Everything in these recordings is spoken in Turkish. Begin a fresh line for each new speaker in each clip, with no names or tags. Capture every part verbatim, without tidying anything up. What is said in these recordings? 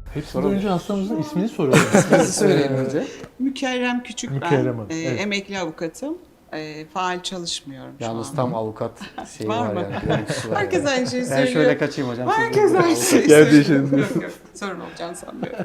Hepsinden önce hastamızın ismini soralım.
Sizi söyleyeyim önce.
Mükerrem Küçük
Mükerrem Hanım,
ben. Ee,
evet.
Emekli avukatım. Ee, faal çalışmıyorum şu
Yalnız
anda.
tam avukat şeyi
Var
var,
mı?
yani. görüntüsü var
Herkes
yani.
aynı şeyi
Ben
söylüyor.
şöyle kaçayım hocam. siz
Herkes
burada
aynı
avukat.
şeyi
Yer
söylüyor.
değişelim.
Yok yok, sorun olacağını sanmıyorum.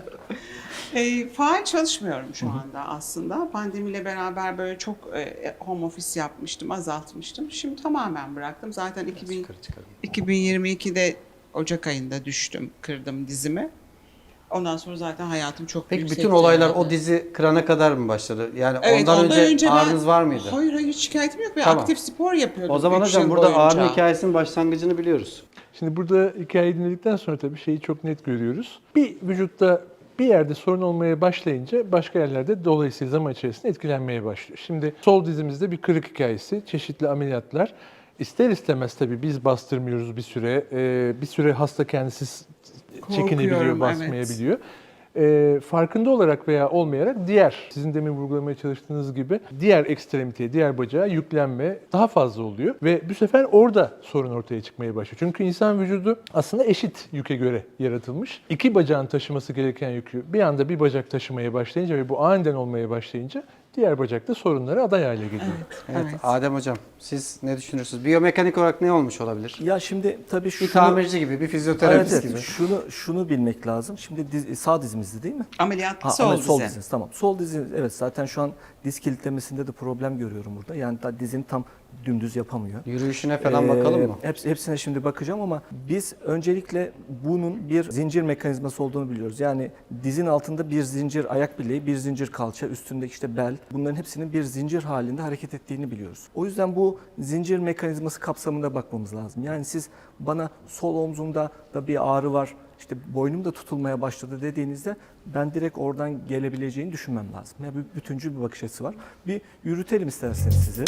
E, faal çalışmıyorum şu anda aslında. Pandemiyle beraber böyle çok e, home office yapmıştım, azaltmıştım. Şimdi tamamen bıraktım. Zaten iki bin,
Çıkar, çıkar.
iki bin yirmi ikide Ocak ayında düştüm, kırdım dizimi. Ondan sonra zaten hayatım çok
Peki
yüksekti
bütün olaylar
yani.
o dizi kırana kadar mı başladı? Yani
Evet,
ondan, önce,
ben-
ağrınız var mıydı?
Hayır hayır, hiç şikayetim yok. Ben
Tamam.
aktif spor yapıyordum.
O zaman
üç
hocam
yıl
burada
boyunca.
ağrı hikayesinin başlangıcını biliyoruz.
Şimdi burada hikayeyi dinledikten sonra tabii şeyi çok net görüyoruz. Bir vücutta bir yerde sorun olmaya başlayınca başka yerlerde dolayısıyla zaman içerisinde etkilenmeye başlıyor. Şimdi sol dizimizde bir kırık hikayesi, çeşitli ameliyatlar. İster istemez tabii biz bastırmıyoruz bir süre. Ee, bir süre hasta kendisi çekinebiliyor,
Korkuyorum,
basmayabiliyor. Ee, farkında olarak veya olmayarak diğer, sizin demin vurgulamaya çalıştığınız gibi diğer ekstremiteye, diğer bacağa yüklenme daha fazla oluyor. Ve bu sefer orada sorun ortaya çıkmaya başlıyor. Çünkü insan vücudu aslında eşit yüke göre yaratılmış. İki bacağın taşıması gereken yükü bir anda bir bacak taşımaya başlayınca ve bu aniden olmaya başlayınca diğer bacakta sorunlara aday hale geliyor.
Evet,
Evet,
evet.
Adem hocam siz ne düşünürsünüz? Biyomekanik olarak ne olmuş olabilir?
Ya şimdi tabii şu
Bir tamirci gibi, bir fizyoterapist
evet,
gibi.
evet, şunu şunu bilmek lazım. Şimdi diz, sağ dizimizdi değil mi?
Ameliyat
Ha,
sol
ama
dizi.
sol diziniz tamam. Sol dizi evet zaten şu an diz kilitlemesinde de problem görüyorum burada. Yani da dizini tam dümdüz yapamıyor.
Yürüyüşüne falan
Ee,
bakalım mı?
Hepsi, hepsine şimdi bakacağım ama biz öncelikle bunun bir zincir mekanizması olduğunu biliyoruz. Yani dizin altında bir zincir ayak bileği, bir zincir kalça, üstündeki işte bel. Bunların hepsinin bir zincir halinde hareket ettiğini biliyoruz. O yüzden bu zincir mekanizması kapsamında bakmamız lazım. Yani siz bana sol omzumda da bir ağrı var, işte boynum da tutulmaya başladı dediğinizde ben direkt oradan gelebileceğini düşünmem lazım. Yani bir bütüncül bir bakış açısı var. Bir yürütelim isterseniz sizi.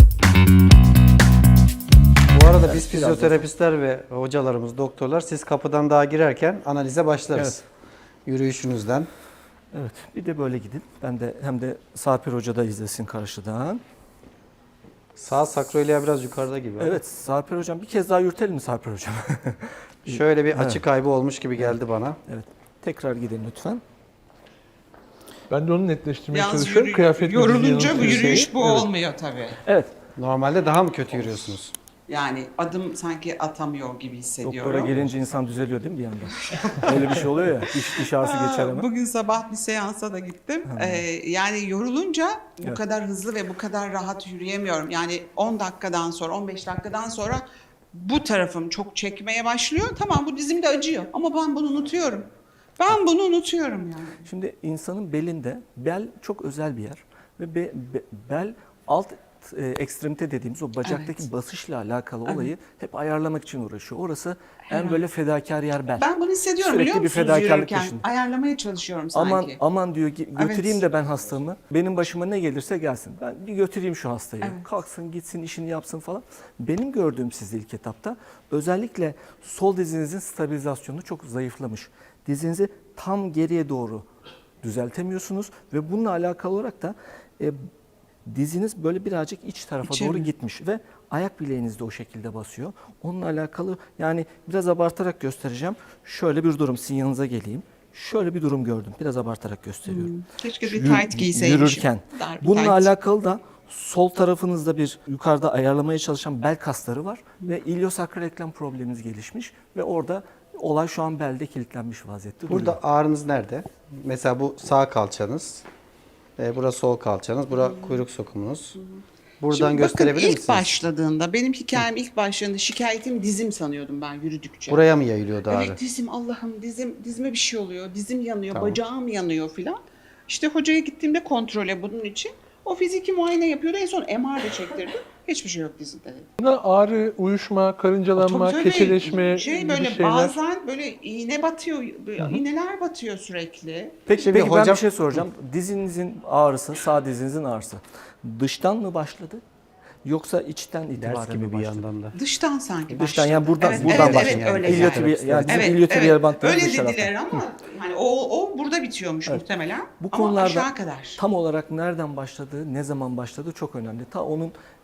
Bu arada biz
biraz
fizyoterapistler ve hocalarımız, doktorlar siz kapıdan daha girerken analize başlarız. Yürüyüşünüzden.
Evet, bir de böyle gidin. Ben de hem de Sarper Hoca da izlesin karşıdan.
Sağ sakroiliya biraz yukarıda gibi.
Evet, Sarper Hocam bir kez daha yürütelim mi Sarper Hocam?
Şöyle bir
Evet.
açı kaybı olmuş gibi geldi bana.
Evet, tekrar gidin lütfen.
Ben de onu netleştirmeye
Yalnız
çalışıyorum.
yürü-
Kıyafet
yorulunca bu
bilgisi
yürüyüş
yanıltıyor.
bu
Evet.
olmuyor tabii.
Evet,
Normalde daha mı kötü yürüyorsunuz?
Yani adım sanki atamıyor gibi hissediyorum.
doktora gelince insan düzeliyor değil mi bir yandan? Öyle bir şey oluyor ya, diş, diş ağrısı
Aa,
geçer hemen.
Bugün sabah bir seansa da gittim. Ee, yani yorulunca bu
Evet.
kadar hızlı ve bu kadar rahat yürüyemiyorum. Yani on dakikadan sonra, on beş dakikadan sonra bu tarafım çok çekmeye başlıyor. Tamam, bu dizim de acıyor ama ben bunu unutuyorum. Ben bunu unutuyorum yani.
Şimdi insanın belinde, bel çok özel bir yer. Ve be- be- bel alt e, ekstremite dediğimiz o bacaktaki
Evet.
basışla alakalı
Evet.
olayı hep ayarlamak için uğraşıyor. Orası en
Herhalde.
böyle fedakar yer bel.
Ben bunu hissediyorum,
Sürekli
biliyor
bir
musunuz,
fedakarlık
yürürken?
peşinde.
Ayarlamaya çalışıyorum sanki.
Aman aman diyor "Gi- götüreyim
Evet.
de ben hastamı. Benim başıma ne gelirse gelsin. Ben bir götüreyim şu hastayı.
Evet.
Kalksın gitsin işini yapsın falan. Benim gördüğüm sizde ilk etapta özellikle sol dizinizin stabilizasyonu çok zayıflamış. Dizinizi tam geriye doğru düzeltemiyorsunuz ve bununla alakalı olarak da e, diziniz böyle birazcık iç tarafa
İçeri.
doğru gitmiş ve ayak bileğiniz de o şekilde basıyor. Onunla alakalı yani biraz abartarak göstereceğim. Şöyle bir durum, sizin yanınıza geleyim. Şöyle bir durum gördüm. Biraz abartarak gösteriyorum.
Keşke bir
Yürü-
tight giyseymişim.
Yürürken.
Dar bir
Bununla
tight.
alakalı da sol tarafınızda bir yukarıda ayarlamaya çalışan bel kasları var ve iliosakral eklem probleminiz gelişmiş ve orada olay şu an belde kilitlenmiş vaziyette duruyor.
Burada ağrınız nerede? Mesela bu sağ kalçanız. E, burası sol kalçanız. Bura kuyruk sokumunuz. Buradan
Şimdi
gösterebilir
bakın, ilk
misiniz?
başladığında, benim hikayem ilk başladığında şikayetim dizim sanıyordum ben yürüdükçe.
Buraya mı yayılıyordu ağrı?
Evet, dizim, Allah'ım dizim, dizime bir şey oluyor, dizim yanıyor,
Tamam.
bacağım yanıyor filan. İşte hocaya gittiğimde kontrole bunun için. O fiziki muayene yapıyordu, en son M R de çektirdi. Hiçbir şey yok dizimde dedi.
Buna ağrı, uyuşma, karıncalanma,
Tabii tabii,
keçeleşme
şey
gibi
böyle
şeyler.
bazen böyle iğne batıyor, böyle iğneler batıyor sürekli.
Peki,
Şimdi
peki ben
hocam-
bir şey soracağım. Dizinizin ağrısı, sağ dizinizin ağrısı dıştan mı başladı? Yoksa içten itibaren
Ders
mi
gibi bir
başladı?
yandan da.
Dıştan sanki
Dıştan
başladı.
yani buradan
Evet,
buradan
evet,
başladı.
evet, öyle
İlyotibial,
yani.
yani bizim
Evet,
ilyotibial
evet.
bantları
Öyle
dış tarafta.
dediler ama hani o, o burada bitiyormuş muhtemelen.
Bu
ama
konularda
aşağı kadar.
tam olarak nereden başladığı, ne zaman başladığı çok önemli. Ta onun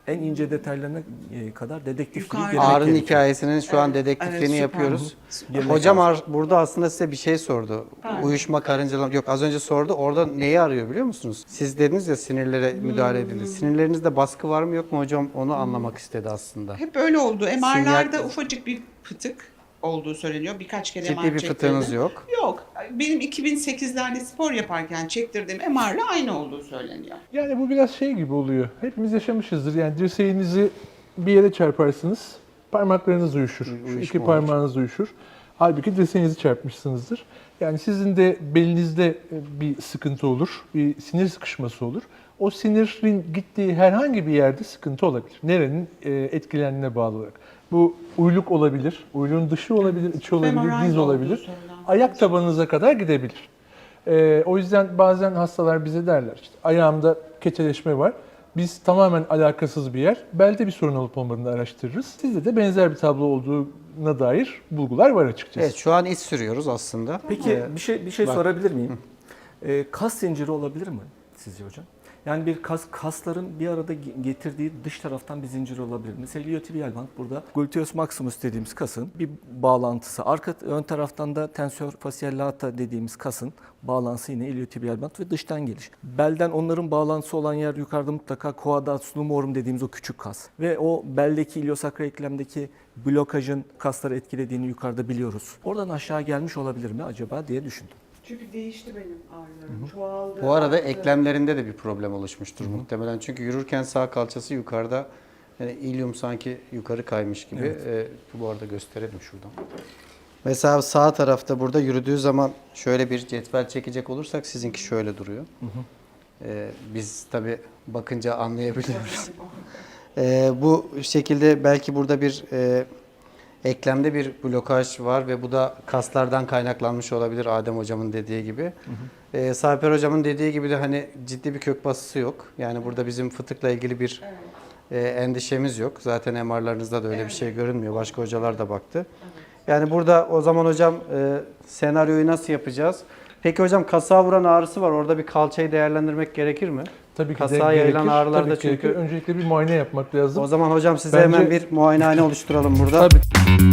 en ince detaylarına e, kadar dedektifliği
Yukarı-
girmek
Ağrı'nın
gerekiyor.
hikayesinin şu an
Evet,
dedektifliğini
evet, süper.
yapıyoruz.
Girmek
Hocam
lazım.
ar- burada aslında size bir şey sordu.
Evet.
Uyuşma, karıncalama. Yok, az önce sordu. Orada neyi arıyor biliyor musunuz? Siz dediniz ya sinirlere müdahale edildi. Sinirlerinizde baskı var mı yok mu hocam? Onu anlamak istedi aslında.
Hep öyle oldu. M R'larda
Sinyal-
ufacık bir fıtık olduğu söyleniyor. Birkaç kere
Ciddi
M R
bir
çektirdim.
fıtığınız yok.
Yok. Benim iki bin sekizlerde spor yaparken çektirdiğim M R'la aynı olduğu söyleniyor.
Yani bu biraz şey gibi oluyor. Hepimiz yaşamışızdır. Yani dirseğinizi bir yere çarparsınız, parmaklarınız uyuşur. Şu
Uyuşma
iki
olur.
parmağınız uyuşur. Halbuki dirseğinizi çarpmışsınızdır. Yani sizin de belinizde bir sıkıntı olur, bir sinir sıkışması olur. O sinirin gittiği herhangi bir yerde sıkıntı olabilir. Nerenin e, etkilendiğine bağlı olarak. Bu uyluk olabilir, uyluğun dışı olabilir, içi olabilir,
Femoral
diz
olduğu
olabilir.
söylenen.
Ayak tabanınıza kadar gidebilir. Ee, o yüzden bazen hastalar bize derler işte ayağımda keçeleşme var. Biz tamamen alakasız bir yer. Belde bir sorun olup olmadığını araştırırız. Sizde de benzer bir tablo olduğuna dair bulgular var açıkçası.
Evet, şu an iç sürüyoruz aslında.
Peki
Ee,
bir şey bir şey
bak.
sorabilir miyim? Ee, kas zinciri olabilir mi sizce hocam? Yani bir kas kasların bir arada ge- getirdiği dış taraftan bir zincir olabilir. Mesela iliotibial band burada gluteus maximus dediğimiz kasın bir bağlantısı. Arka ön taraftan da tensor facial lata dediğimiz kasın bağlantısı yine iliotibial band ve dıştan geliş. Belden onların bağlantısı olan yer yukarıda mutlaka quadratus lumbrum dediğimiz o küçük kas. Ve o beldeki iliosakral eklemdeki blokajın kasları etkilediğini yukarıda biliyoruz. Oradan aşağı gelmiş olabilir mi acaba diye düşündüm.
Çünkü değişti benim ağrılarım. Çoğaldı.
Bu arada
arttı.
eklemlerinde de bir problem oluşmuştur muhtemelen. Çünkü yürürken sağ kalçası yukarıda, yani ilium sanki yukarı kaymış gibi. Ee, bu arada gösterelim şuradan. Mesela sağ tarafta burada yürüdüğü zaman şöyle bir cetvel çekecek olursak sizinki şöyle duruyor. Ee, biz tabii bakınca anlayabiliyoruz. Ee, bu şekilde belki burada bir e, eklemde bir blokaj var ve bu da kaslardan kaynaklanmış olabilir Adem hocamın dediği gibi. Hı hı. Ee, Sarper hocamın dediği gibi de hani ciddi bir kök basısı yok. Yani burada bizim fıtıkla ilgili bir e, endişemiz yok. Zaten M R'larınızda da öyle bir şey görünmüyor. Başka hocalar da baktı. Yani burada o zaman hocam e, senaryoyu nasıl yapacağız? Peki hocam kasağa vuran ağrısı var. Orada bir kalçayı değerlendirmek gerekir mi?
Tabii ki
Kasağa
de
yayılan
gerekir.
ağrılarda
Tabii ki
çünkü-
gerekir. Öncelikle bir muayene yapmak lazım.
O zaman hocam size
Bence-
hemen bir muayenehane oluşturalım burada.
Tabii.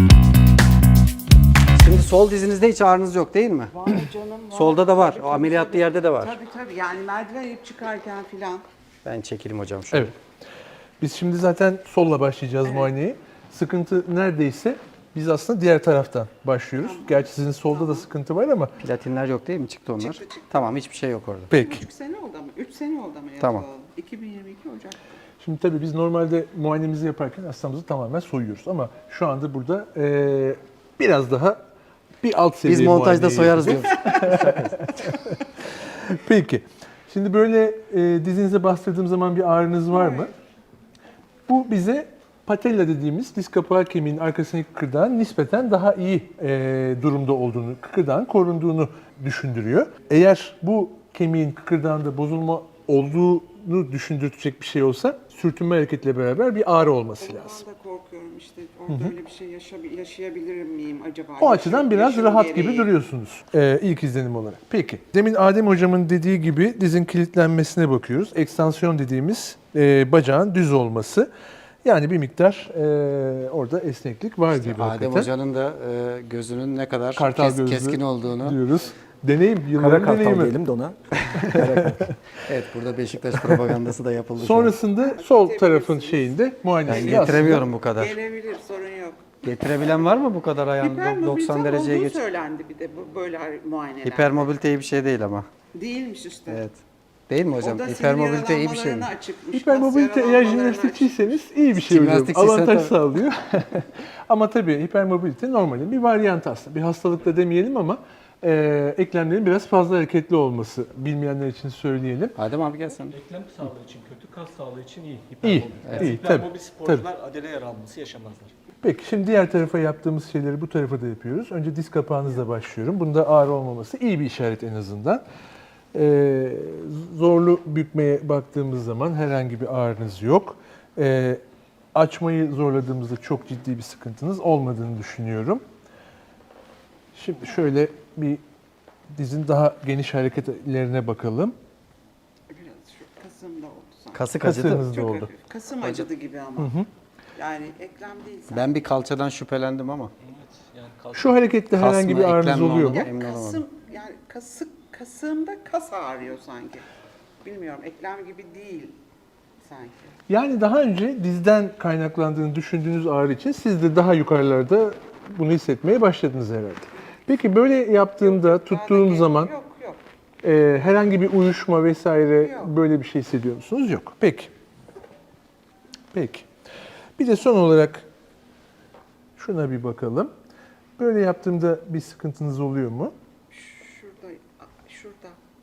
Şimdi sol dizinizde hiç ağrınız yok değil mi?
Var canım var.
Solda da var.
Tabii,
O
tabii,
ameliyatlı
tabii.
yerde de var.
Tabii tabii yani merdiven inip çıkarken filan.
Ben çekeyim hocam şöyle.
Evet. Biz şimdi zaten solla başlayacağız muayeneyi. Sıkıntı neredeyse biz aslında diğer taraftan başlıyoruz. Gerçi sizin solda da sıkıntı var ama
Platinler yok değil mi? Çıktı onlar.
Çıktı, çıktı.
Tamam, hiçbir şey yok orada.
peki.
üç sene oldu ama. üç sene oldu ama
Tamam.
yapılalı. iki bin yirmi iki Ocak.
Şimdi tabii biz normalde muayenemizi yaparken hastamızı tamamen soyuyoruz ama şu anda burada eee, biraz daha bir alt seviye
Biz montajda
muayeneyi
soyarız
yapacağız.
diyoruz.
Peki. Şimdi böyle e, dizinize bastırdığım zaman bir ağrınız var mı? Bu bize patella dediğimiz diz kapağı kemiğinin arkasındaki kıkırdağın nispeten daha iyi e, durumda olduğunu, kıkırdağın korunduğunu düşündürüyor. Eğer bu kemiğin kıkırdağında bozulma olduğunu düşündürecek bir şey olsa sürtünme hareketle beraber bir ağrı olması lazım.
Ondan da korkuyorum işte. Orada öyle bir şey yaşa- yaşayabilir miyim acaba?
O açıdan biraz
Yaşım
rahat
gereği.
gibi duruyorsunuz e, ilk izlenim olarak. Peki. Demin Adem hocamın dediği gibi dizin kilitlenmesine bakıyoruz. Ekstansiyon dediğimiz e, bacağın düz olması. Yani bir miktar e, orada esneklik var gibi
Adem
hakikaten.
hocanın da e, gözünün ne kadar
Kartal
kes-
gözlü
keskin olduğunu.
diyoruz. Deneyim,
Kara
yılların
kartal
deneyimi.
diyelim de ona.
Evet, burada Beşiktaş propagandası da yapıldı. şu an.
Sonrasında sol tarafın şeyinde
Ben
muayenesini
getiremiyorum bu kadar.
Gelebilir sorun yok.
Getirebilen var mı bu kadar ayağını
Hipermobilite
doksan dereceye
olduğu
geç?
söylendi bir de bu böyle muayeneler.
Hipermobilite iyi bir şey değil ama.
Değilmiş işte.
Evet. Değil mi hocam?
O da sinir
Hipermobilite iyi bir şey mi?
yaralanmalarına açıkmış,
Hipermobilite
kas
eğer
yaralanmalarına
jimnastikçiyseniz iyi bir şey hocam.
Jimnastikçiysen
Avantaj
tabii.
sağlıyor. Ama tabii hipermobilite normalin bir varyant aslında. Bir hastalık da demeyelim ama e, eklemlerin biraz fazla hareketli olması. Bilmeyenler için söyleyelim.
Adem abi gel sen.
Eklem sağlığı için kötü, kas sağlığı için iyi.
İyi, iyi, tabii,
Hipermobil sporcular adele yaralanması yaşamazlar.
Peki şimdi diğer tarafa yaptığımız şeyleri bu tarafa da yapıyoruz. Önce diz kapağınızla başlıyorum. Bunda ağrı olmaması iyi bir işaret en azından. Ee, zorlu bükmeye baktığımız zaman herhangi bir ağrınız yok. Ee, açmayı zorladığımızda çok ciddi bir sıkıntınız olmadığını düşünüyorum. Şimdi şöyle bir dizin daha geniş hareketlerine bakalım.
Biraz şu kasımda oldu
Kasık acıdı.
Kasığınızda
Çok
oldu.
hafif. Kasım acıdı gibi ama. Yani eklem değil zaten.
Ben bir kalçadan şüphelendim ama.
Şu harekette
Kas
herhangi
mı,
bir ağrınız
eklem mi
oluyor
oldu?
mu?
Emin olamadım.
Kasım yani kasık kasığımda kas ağrıyor sanki. Bilmiyorum, eklem gibi değil sanki.
Yani daha önce dizden kaynaklandığını düşündüğünüz ağrı için siz de daha yukarılarda bunu hissetmeye başladınız herhalde. Peki böyle yaptığımda,
Daha da
tuttuğum
gel-
zaman
Yok yok.
e, herhangi bir uyuşma vesaire
Yok.
böyle bir şey hissediyor musunuz? Yok. Peki. Peki. Bir de son olarak şuna bir bakalım. Böyle yaptığımda bir sıkıntınız oluyor mu?
Şurada, şurada.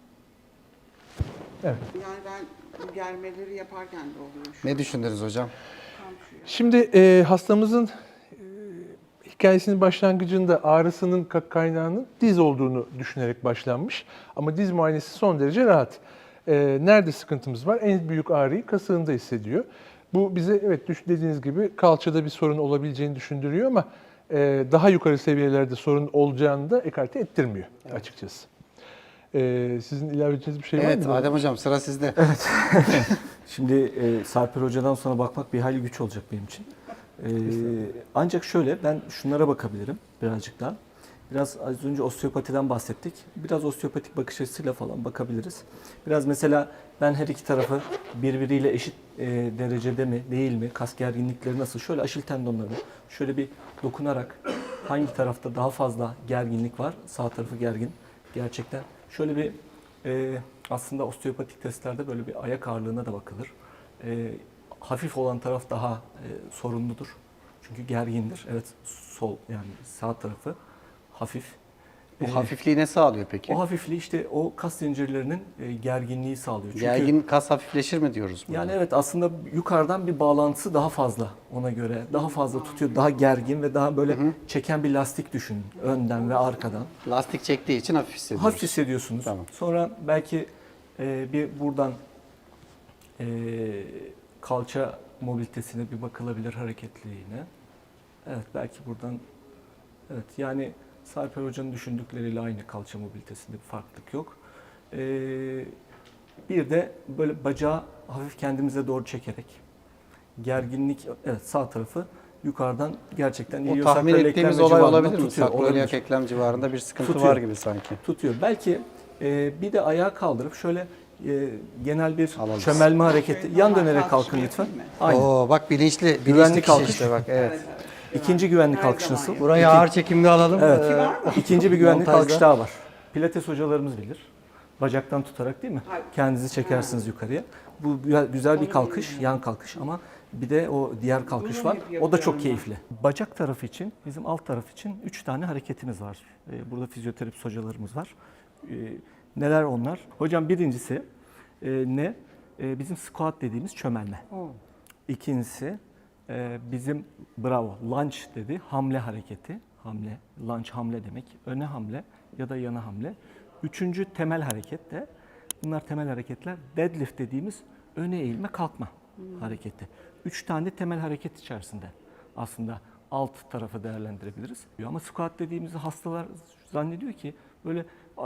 Evet.
Yani ben bu germeleri yaparken de oluyor. Şu,
Ne düşündünüz hocam?
tam şu.
Şimdi e, hastamızın e, hikayesinin başlangıcında ağrısının ka- kaynağının diz olduğunu düşünerek başlanmış. Ama diz muayenesi son derece rahat. E, nerede sıkıntımız var? En büyük ağrıyı kasığında hissediyor. Bu bize evet düş- dediğiniz gibi kalçada bir sorun olabileceğini düşündürüyor ama e, daha yukarı seviyelerde sorun olacağını da ekarte ettirmiyor açıkçası. E, sizin ilave edeceğiniz bir şey var mı?
Evet Adem hocam sıra sizde.
Şimdi e, Sarper Hoca'dan sonra bakmak bir hayli güç olacak benim için. E, ancak şöyle, ben şunlara bakabilirim birazcık daha. Biraz az önce osteopatiden bahsettik. Biraz osteopatik bakış açısıyla falan bakabiliriz. Biraz mesela ben her iki tarafı birbiriyle eşit e, derecede mi değil mi, kas gerginlikleri nasıl? Şöyle aşil tendonlarını şöyle bir dokunarak hangi tarafta daha fazla gerginlik var? Sağ tarafı gergin gerçekten. Şöyle bir e, aslında osteopatik testlerde böyle bir ayak ağırlığına da bakılır. E, hafif olan taraf daha e, sorunludur. Çünkü gergindir. Evet, sol yani sağ tarafı hafif.
Bu
E,
hafifliği ne sağlıyor peki?
O hafifliği işte o kas zincirlerinin e, gerginliği sağlıyor. Çünkü
Gergin kas hafifleşir mi diyoruz burada?
yani evet, aslında yukarıdan bir bağlantısı daha fazla ona göre. Daha fazla tutuyor, daha gergin ve daha böyle çeken bir lastik düşünün. Önden ve arkadan.
Lastik çektiği için hafif hissediyoruz.
Hafif hissediyorsunuz.
Tamam.
Sonra belki e, bir buradan e, kalça mobilitesine bir bakılabilir, hareketliliğine. Evet, belki buradan, evet yani Sarper Hoca'nın düşündükleriyle aynı, kalça mobilitesinde bir farklılık yok. E, bir de böyle bacağı hafif kendimize doğru çekerek gerginlik, evet sağ tarafı yukarıdan gerçekten
O
iliyosakral
tahmin ettiğimiz
eklem
olay
civarında
olabilir mi?
tutuyor,
Sakroiliak
olabilir.
eklem civarında bir sıkıntı
Tutuyor.
var gibi sanki.
Tutuyor. Belki e, bir de ayağı kaldırıp şöyle e, genel bir
Alalım.
çömelme hareketi.
Şöyle
Yan
normal
dönerek
kalkışma
kalkın lütfen.
yapayım mı?
Aynen.
Oo bak bilinçli, bilinçli
Güvenli
kişi
kalkış.
işte bak evet.
İkinci güvenlik
Her
kalkışması.
zaman
Burayı ağır çekimli alalım.
Evet.
Ee,
Var mı?
İkinci bir güvenlik
Montajda.
kalkış daha var. Pilates hocalarımız bilir. Bacaktan tutarak değil mi?
Hayır.
Kendinizi çekersiniz yukarıya. Bu güzel- güzel bir
Onu
kalkış,
bilmiyorum.
yan kalkış ama bir de o diğer kalkış
Bunu
var.
hep
O da
yapıyorum
çok
ben.
keyifli. Bacak tarafı için, bizim alt taraf için üç tane hareketimiz var. Ee, Burada fizyoterapist hocalarımız var. Ee, Neler onlar? Hocam birincisi e, ne? E, Bizim squat dediğimiz çömelme. İkincisi e, bizim bravo lunge dedi, hamle hareketi. Hamle, lunge hamle demek. Öne hamle ya da yana hamle. Üçüncü temel hareket de, bunlar temel hareketler, deadlift dediğimiz öne eğilme kalkma hareketi. Üç tane temel hareket içerisinde aslında alt tarafı değerlendirebiliriz. Ama squat dediğimizde hastalar zannediyor ki böyle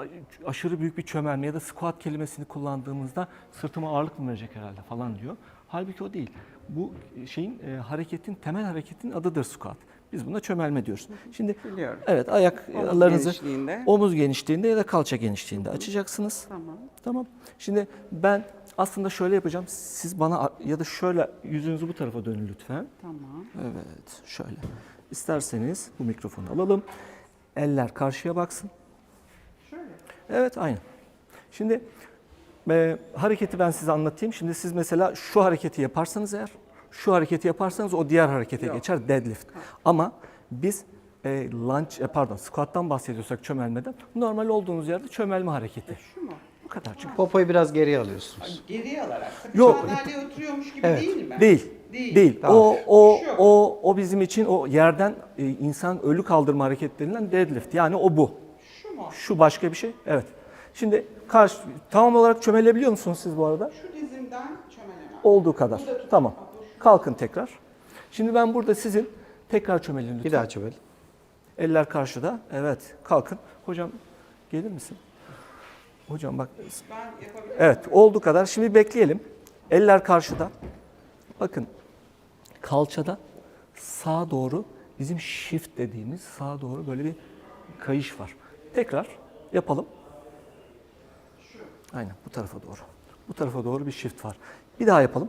aşırı büyük bir çömelme ya da squat kelimesini kullandığımızda sırtıma ağırlık mı verecek herhalde falan diyor. Halbuki o değil. Bu şeyin e, hareketin, temel hareketin adıdır squat. Biz buna çömelme diyoruz. Şimdi
Biliyorum.
evet, ayaklarınızı
genişliğinde.
omuz genişliğinde ya da kalça genişliğinde açacaksınız.
Tamam.
Tamam. Şimdi ben aslında şöyle yapacağım. Siz bana ya da şöyle yüzünüzü bu tarafa dönün lütfen.
Tamam.
Evet, şöyle. İsterseniz bu mikrofonu alalım. Eller karşıya baksın.
Şöyle.
Evet, aynen. Şimdi e, hareketi ben size anlatayım. Şimdi siz mesela şu hareketi yaparsanız eğer, şu hareketi yaparsanız o diğer harekete
Yok.
geçer, deadlift. Ama biz e, lunge, e, pardon, squat'tan bahsediyorsak çömelmeden, normal olduğunuz yerde çömelme hareketi.
Şu mu?
Bu kadar. Çünkü
Popoyu biraz geriye alıyorsunuz.
Geriye alarak.
Yok.
Sandalyeye oturuyormuş gibi
Evet.
değil mi?
Değil.
Değil.
Değil.
Tamam.
O o
Şu.
o o bizim için o yerden e, insan ölü kaldırma hareketlerinden deadlift. Yani o bu.
Şu mu?
Şu başka bir şey. Evet. Şimdi karşı tam olarak çömelebiliyor musunuz siz bu arada?
Şu dizimden çömelemem.
Olduğu kadar. Tamam. Kalkın tekrar. Şimdi ben burada sizin tekrar çömelin lütfen.
Bir daha çömel.
Eller karşıda. Evet. Kalkın. Hocam gelir misin? Hocam bak.
Ben yapabilirim.
Evet. Olduğu kadar. Şimdi bekleyelim. Eller karşıda. Bakın kalçada sağa doğru bizim shift dediğimiz sağa doğru böyle bir kayış var. Tekrar yapalım. Aynen bu tarafa doğru. Bu tarafa doğru bir shift var. Bir daha yapalım.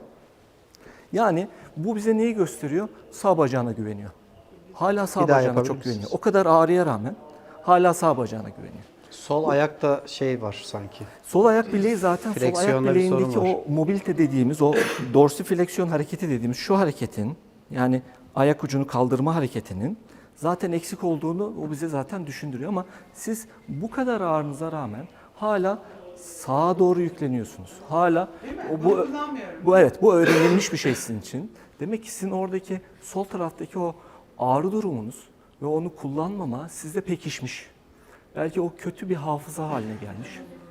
Yani bu bize neyi gösteriyor? Sağ bacağına güveniyor. Hala sağ
Bir daha
bacağına
yapabilir
çok
misiniz?
güveniyor. O kadar ağrıya rağmen hala sağ bacağına güveniyor.
Sol ayakta şey var sanki.
Sol ayak bileği zaten sol ayak
Fleksiyonda bir
bileğindeki
sorun var.
o mobilite dediğimiz, o dorsifleksiyon hareketi dediğimiz şu hareketin, yani ayak ucunu kaldırma hareketinin zaten eksik olduğunu o bize zaten düşündürüyor. Ama siz bu kadar ağrınıza rağmen hala sağa doğru yükleniyorsunuz. Hala o, bu, bu evet bu öğrenilmiş bir şey sizin için. Demek ki sizin oradaki sol taraftaki o ağrı durumunuz ve onu kullanmama sizde pekişmiş. Belki o kötü bir hafıza haline gelmiş.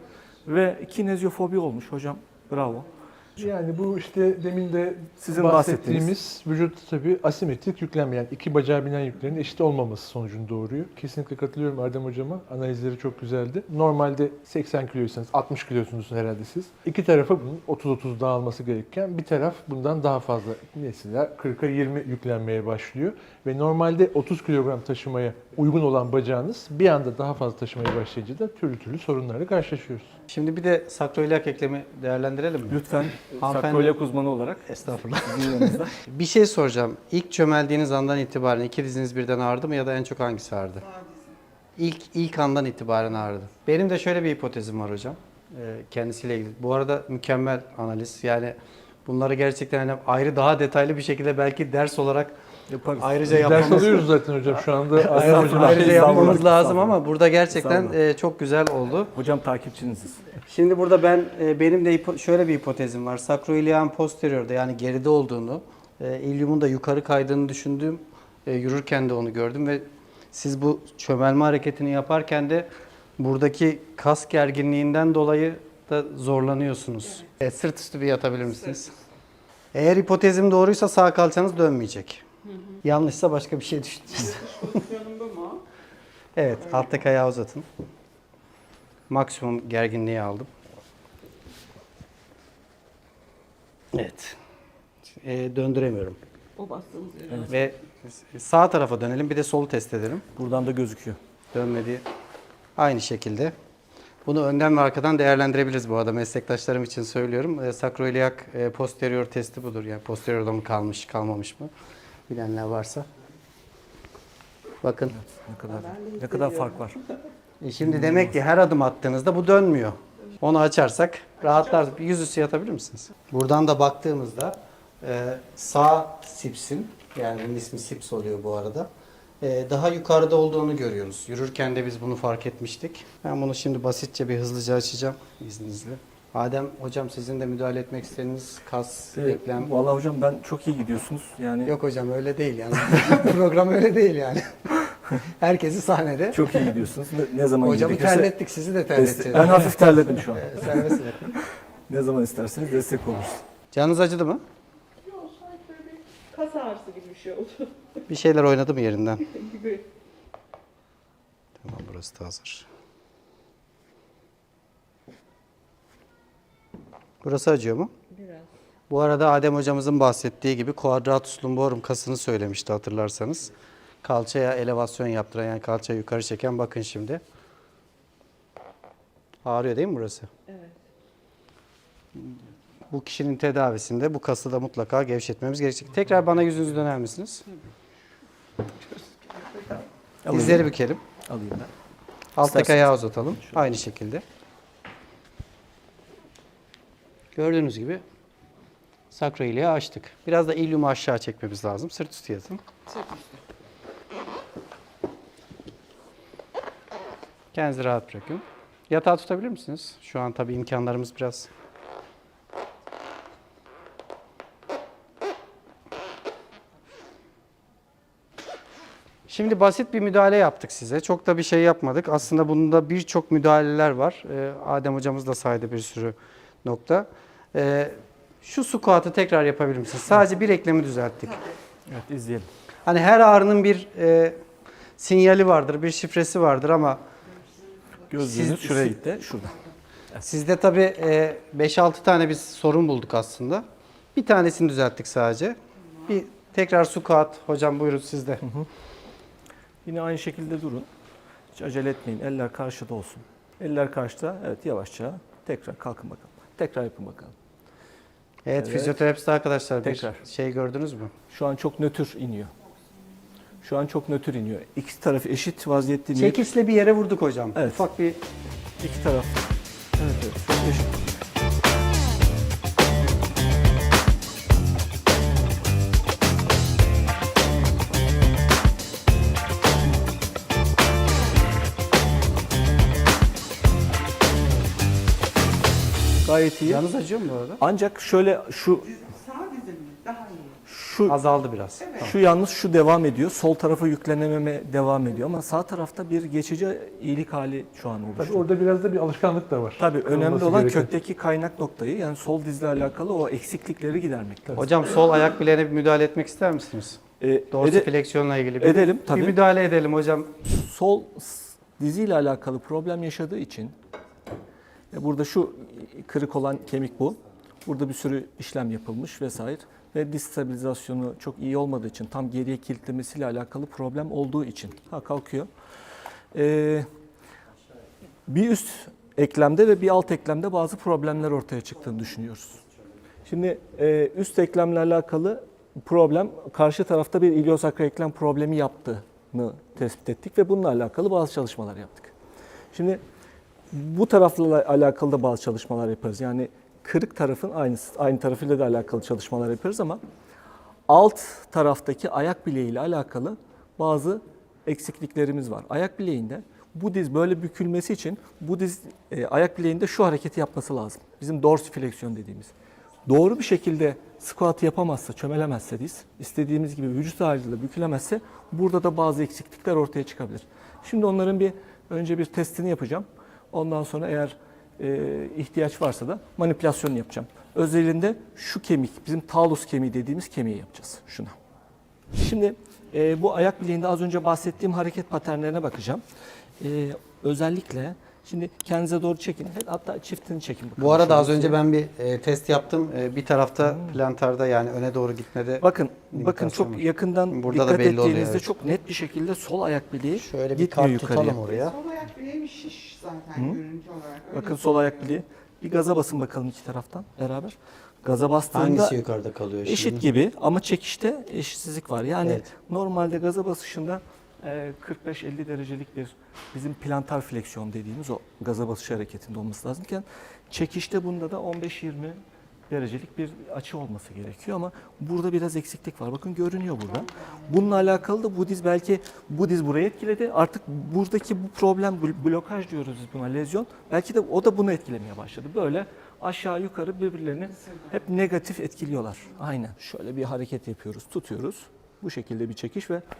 Ve kineziofobi olmuş hocam. Bravo.
Yani bu işte demin de
Sizin
bahsettiğimiz vücut tabii asimetrik yüklenme, yani iki bacağa binen yüklerin eşit olmaması sonucunu doğuruyor. Kesinlikle katılıyorum Erdem hocama. Analizleri çok güzeldi. Normalde seksen kiloysanız altmış kilosunuz herhalde siz. İki tarafa bunun otuz otuz dağılması gerekirken bir taraf bundan daha fazla, mesela kırka yirmi yüklenmeye başlıyor. Ve normalde otuz kilogram taşımaya uygun olan bacağınız bir anda daha fazla taşımaya başlayınca da türlü türlü sorunlarla karşılaşıyoruz.
Şimdi bir de sakroiliak eklemi değerlendirelim mi?
Lütfen
Hanımefendi-
sakroiliak uzmanı olarak
Estağfurullah.
sizin yanınızda.
Bir şey soracağım. İlk çömeldiğiniz andan itibaren iki diziniz birden ağrıdı mı ya da en çok hangisi ağrıdı? İlk ilk andan itibaren ağrıdı. Benim de şöyle bir hipotezim var hocam. Ee, kendisiyle ilgili. Bu arada mükemmel analiz. Yani bunları gerçekten hani ayrı daha detaylı bir şekilde belki ders olarak
Yaparız.
ayrıca
Ders
yapmamız
alıyoruz zaten hocam şu anda.
ayrıca,
Erdem hocam-
ayrıca yapmamız
Estağfurullah.
lazım ama burada gerçekten
Estağfurullah.
e, çok güzel oldu.
Hocam takipçiniziz.
Şimdi burada ben e, benim de hipo- şöyle bir hipotezim var. Sakroiliak'ın posteriorda yani geride olduğunu, e, ilyumun da yukarı kaydığını düşündüğüm, e, yürürken de onu gördüm ve siz bu çömelme hareketini yaparken de buradaki kas gerginliğinden dolayı da zorlanıyorsunuz. Evet, sırt üstü bir yatabilir misiniz? Eğer hipotezim doğruysa sağ kalçanız dönmeyecek. Yanlışsa başka bir şey düşüneceğiz.
Pozisyonum bu mu?
Evet, alttaki ayağı uzatın. Maksimum gerginliği aldım. Evet. Ee, döndüremiyorum.
O bastığınız yere.
Ve sağ tarafa dönelim. Bir de solu test edelim.
Buradan da gözüküyor.
Dönmedi. Aynı şekilde. Bunu önden ve arkadan değerlendirebiliriz bu arada. Meslektaşlarım için söylüyorum. E, sakroiliak e, posterior testi budur. Yani posteriorda mı kalmış, kalmamış mı? Bilenler varsa. Bakın.
Ne kadar ne kadar fark var.
E şimdi demek ki her adım attığınızda bu dönmüyor. Onu açarsak rahatlar. Yüzüstü yatabilir misiniz? Buradan da baktığımızda e, sağ sipsin, yani bunun ismi sips oluyor bu arada, e, daha yukarıda olduğunu görüyoruz. Yürürken de biz bunu fark etmiştik. Ben bunu şimdi basitçe bir hızlıca açacağım izninizle. Adem hocam, sizin de müdahale etmek istediğiniz kas, eklem.
Vallahi hocam ben çok iyi gidiyorsunuz. Yani
Yok hocam, öyle değil yani. Program öyle değil yani. Herkesi sahnede.
çok iyi gidiyorsunuz. Ne, ne zaman
Hocamı
gerekirse
terlettik, sizi de
destek-
terleteceğiz.
Ben hafif terledim şu an.
E, serbest bırakın.
Ne zaman isterseniz destek oluruz.
Canınız acıdı mı?
Yok, sanki böyle bir kas ağrısı gibi bir şey oldu.
Bir şeyler oynadı mı yerinden?
gibi.
Tamam, burası da hazır. Burası acıyor mu?
Biraz.
Bu arada Adem hocamızın bahsettiği gibi quadratus lumborum kasını söylemişti hatırlarsanız. Kalçaya elevasyon yaptıran, yani kalçayı yukarı çeken, bakın şimdi. Ağrıyor değil mi burası?
Evet.
Bu kişinin tedavisinde bu kası da mutlaka gevşetmemiz gerekecek. Tekrar bana yüzünüzü döner misiniz?
Alayım.
Dizleri bükelim.
Alayım ben.
Alttaki
İsterseniz.
ayağı uzatalım. Aynı şekilde. Gördüğünüz gibi sakroiliağı açtık. Biraz da ilyumu aşağı çekmemiz lazım. Sırt üstü yatın. Kendinizi rahat bırakın. Yatağı tutabilir misiniz? Şu an tabii imkanlarımız biraz... Şimdi basit bir müdahale yaptık size. Çok da bir şey yapmadık. Aslında bunda birçok müdahaleler var. Ee, Adem hocamız da saydı bir sürü nokta. Ee, şu squat'ı tekrar yapabilir misiniz? Sadece bir eklemi düzelttik.
Evet, izleyelim.
Hani her ağrının bir e, sinyali vardır, bir şifresi vardır ama
Gözlüğünüz
Siz-
şuraya
siz-
gitti. Şurada.
Sizde tabii e, beş altı tane biz sorun bulduk aslında. Bir tanesini düzelttik sadece. Bir tekrar squat. Hocam buyurun sizde.
Yine aynı şekilde durun. Hiç acele etmeyin. Eller karşıda olsun. Eller karşıda. Evet, yavaşça. Tekrar kalkın bakalım. Tekrar yapın bakalım.
Evet,
Evet.
fizyoterapist arkadaşlar bir
Tekrar.
şey gördünüz mü?
Şu an çok nötr iniyor. Şu an çok nötr iniyor. İki taraf eşit vaziyette iniyor.
Çekişle bir yere vurduk hocam.
Evet.
Ufak bir
İki taraf. Evet, evet. Çok eşit. Gayet iyi.
canınız acıyor mu bu arada?
Ancak şöyle şu
Sağ dizim mi? Daha iyi.
şu
Azaldı biraz.
Şu yalnız şu devam ediyor. Sol tarafa yüklenememe devam ediyor ama sağ tarafta bir geçici iyilik hali şu an
Tabii
oluştu.
orada biraz da bir alışkanlık da var.
Tabii önemli
Kırılması
olan
gereken.
kökteki kaynak noktayı, yani sol dizle alakalı o eksiklikleri gidermek. Tabii.
Hocam sol ayak bileğine bir müdahale etmek ister misiniz?
Ee,
Dorsifleksiyonla ilgili bir,
edelim,
bir
tabii.
müdahale edelim hocam.
sol s- diziyle alakalı problem yaşadığı için e, burada şu kırık olan kemik bu. Burada bir sürü işlem yapılmış vesaire ve diz stabilizasyonu çok iyi olmadığı için, tam geriye kilitlemesiyle alakalı problem olduğu için ha kalkıyor. Ee, bir üst eklemde ve bir alt eklemde bazı problemler ortaya çıktığını düşünüyoruz. Şimdi e, üst eklemle alakalı problem, karşı tarafta bir iliosakral eklem problemi yaptığını tespit ettik ve bununla alakalı bazı çalışmalar yaptık. Şimdi bu tarafla alakalı da bazı çalışmalar yaparız. Yani kırık tarafın aynı aynı tarafıyla da alakalı çalışmalar yaparız ama alt taraftaki ayak bileğiyle alakalı bazı eksikliklerimiz var. Ayak bileğinde bu diz böyle bükülmesi için bu diz e, ayak bileğinde şu hareketi yapması lazım. Bizim dorsifleksiyon dediğimiz. Doğru bir şekilde squat yapamazsa, çömelemezse diz, istediğimiz gibi vücut ağırlığıyla bükülemezse burada da bazı eksiklikler ortaya çıkabilir. Şimdi onların bir önce bir testini yapacağım. Ondan sonra eğer e, ihtiyaç varsa da manipülasyonu yapacağım. Özelinde şu kemik, bizim talus kemiği dediğimiz kemiği yapacağız. Şuna. Şimdi e, bu ayak bileğinde az önce bahsettiğim hareket paternlerine bakacağım. E, özellikle şimdi kendinize doğru çekin. Hatta çiftini çekin. bakalım.
Bu arada az
Şöyle
önce ben bir e, test yaptım. E, bir tarafta plantarda yani öne doğru gitmede.
Bakın, bakın
İmitasyon
çok
var.
yakından
Burada da
dikkat
belli oluyor,
ettiğinizde
evet.
çok net bir şekilde sol ayak bileği
Şöyle bir
gitmiyor
kart
yukarıya.
tutalım oraya.
Sol ayak bileğim şiş zaten görüntü olarak. Öyle
Bakın sol ayak bileği. Bir gaza basın bakalım iki taraftan beraber. Gaza bastığında
Hangisi yukarıda kalıyor şimdi?
eşit gibi ama çekişte eşitsizlik var. Yani
Evet.
normalde gaza basışında e, kırk beş elli derecelik bir bizim plantar fleksiyon dediğimiz o gaza basış hareketinde olması lazımken çekişte bunda da on beş yirmi derecelik bir açı olması gerekiyor ama burada biraz eksiklik var. Bakın görünüyor burada. Bununla alakalı da bu diz belki bu diz burayı etkiledi. Artık buradaki bu problem bl- blokaj diyoruz biz buna, lezyon. Belki de o da bunu etkilemeye başladı. Böyle aşağı yukarı birbirlerini hep negatif etkiliyorlar. Aynen. Şöyle bir hareket yapıyoruz, tutuyoruz. Bu şekilde bir çekiş ve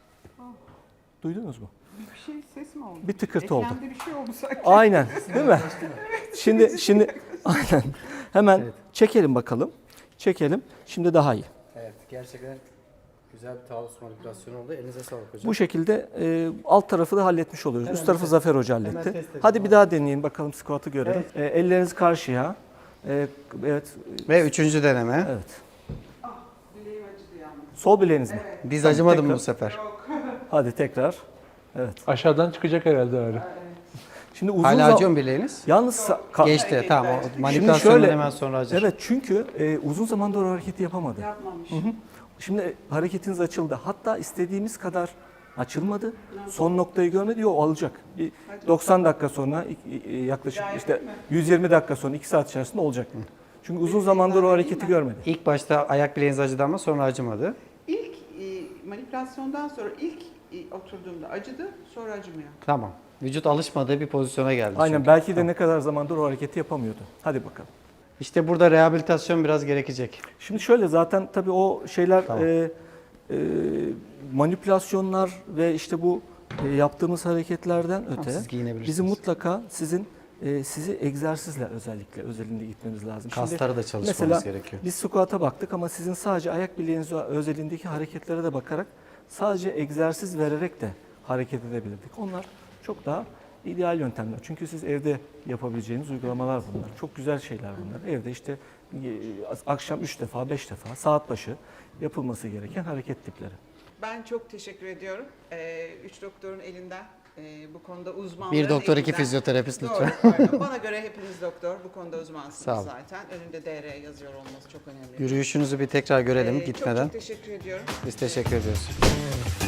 duydunuz mu?
Bir şey ses mi oldu?
Bir tıkırtı oldu.
Eklemde bir şey oldu sanki.
Aynen, değil mi? Şimdi şimdi aynen. Hemen çekelim bakalım. Çekelim. Şimdi daha iyi.
Evet, gerçekten güzel bir talus manipülasyonu oldu. Elinize sağlık hocam.
Bu şekilde e, alt tarafı da halletmiş oluyoruz.
Hemen
Üst tarafı
test-
Zafer Hoca
hemen
halletti.
test edelim.
Hadi bir daha deneyin bakalım squat'ı görelim. E, elleriniz karşıya. E, evet.
Ve üçüncü deneme.
Evet.
Bileğim acıdı yalnız.
Sol bileğiniz mi?
Diz acımadı mı
tekrar.
bu sefer?
Hadi tekrar. Evet.
Aşağıdan çıkacak herhalde ağrı.
Şimdi uzun
Hala
zaman
acıyor mu bileğiniz?
yalnız sa- ka-
Geçti, tamam. O
Şimdi
manipülasyondan
şöyle,
hemen sonra acır.
evet çünkü e, uzun zamandır o hareketi yapamadı.
Yapmamış.
Şimdi e, hareketiniz açıldı. Hatta istediğimiz kadar açılmadı. Son noktayı görmedi. Yok alacak. Bir doksan dakika sonra i- i- yaklaşık işte yüz yirmi dakika sonra iki saat içerisinde olacak. Çünkü uzun zamandır o hareketi görmedi.
İlk başta ayak bileğiniz acıdı ama sonra acımadı.
İlk e, manipülasyondan sonra ilk e, oturduğumda acıdı, sonra acımıyor.
Tamam. Vücut alışmadığı bir pozisyona geldi.
Aynen
çünkü.
belki de ne kadar zamandır o hareketi yapamıyordu. Hadi bakalım.
İşte burada rehabilitasyon biraz gerekecek.
Şimdi şöyle zaten tabii o şeyler
Tamam.
e, e, manipülasyonlar ve işte bu e, yaptığımız hareketlerden öte
siz giyinebilirsiniz.
bizim mutlaka sizin e, sizi egzersizle özellikle özelinde gitmeniz lazım. Şimdi
Kasları da çalışmamız
mesela
gerekiyor.
biz squat'a baktık ama sizin sadece ayak bileğiniz özelindeki hareketlere de bakarak sadece egzersiz vererek de hareket edebilirdik. Onlar çok daha ideal yöntemler. Çünkü siz evde yapabileceğiniz uygulamalar bunlar. Çok güzel şeyler bunlar. Evde işte e, akşam üç defa, beş defa saat başı yapılması gereken hareket tipleri.
Ben çok teşekkür ediyorum. Ee, üç doktorun elinden e, bu konuda uzmanların
Bir doktor, iki
elinden.
fizyoterapist
Doğru,
lütfen.
pardon. Bana göre hepiniz doktor. Bu konuda uzmansınız
Sağ olun.
zaten. Önünde D R yazıyor olması çok önemli.
Yürüyüşünüzü bir tekrar görelim
Ee,
gitmeden.
Çok çok teşekkür ediyorum.
Biz teşekkür ediyoruz.